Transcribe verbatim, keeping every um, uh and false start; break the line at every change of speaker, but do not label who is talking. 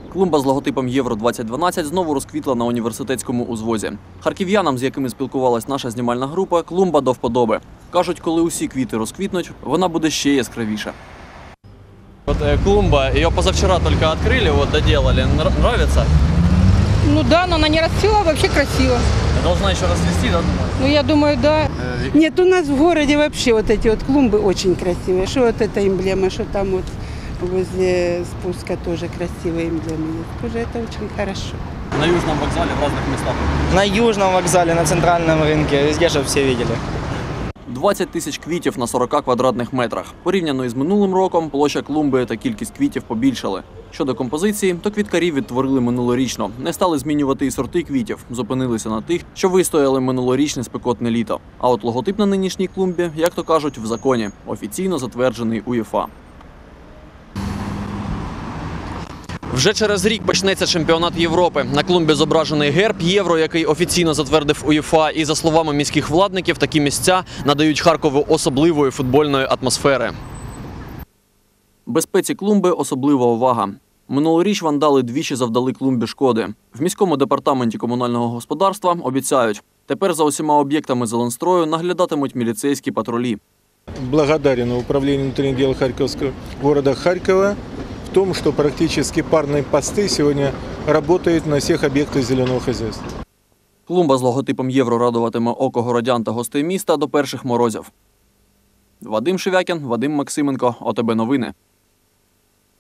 Клумба з логотипом Євро двадцять дванадцять знову розквітла на університетському узвозі. Харків'янам, з якими спілкувалась наша знімальна група, клумба до вподоби. Кажуть, коли усі квіти розквітнуть, вона буде ще яскравіша.
Вот э, клумба, ее позавчера только открыли, вот доделали. Нр- нравится?
Ну да, но она не расцвела, вообще красиво.
Должна еще расцвести, да, думаю?
Ну я думаю, да.
Нет, у нас в городе вообще вот эти вот клумбы очень красивые. Что вот эта эмблема, что там вот возле спуска тоже красивые эмблемы есть. Тоже это очень хорошо.
На Южном вокзале в разных местах.
На Южном вокзале, на центральном рынке, везде, чтобы все видели.
двадцять тисяч квітів на сорока квадратних метрах. Порівняно із минулим роком, площа клумби та кількість квітів побільшали. Щодо композиції, то квіткарів відтворили минулорічно. Не стали змінювати і сорти квітів, зупинилися на тих, що вистояли минулорічне спекотне літо. А от логотип на нинішній клумбі, як то кажуть, в законі, офіційно затверджений УЄФА.
Вже через рік почнеться чемпіонат Європи. На клумбі зображений герб Євро, який офіційно затвердив УЄФА. І, за словами міських владників, такі місця надають Харкову особливої футбольної атмосфери.
Безпеці клумби особлива увага. Минулоріч вандали двічі завдали клумбі шкоди. В міському департаменті комунального господарства обіцяють, тепер за усіма об'єктами зеленстрою наглядатимуть міліцейські патрулі.
Благодарен управлению внутренних дел Харьковского города Харькова в том, что практически парные посты сегодня работают на всех объектах зеленого хозяйства.
Клумба з логотипом Євро радуватиме око городян та гостей міста до перших морозів. Вадим Шевякін, Вадим Максименко, ОТБ Новини.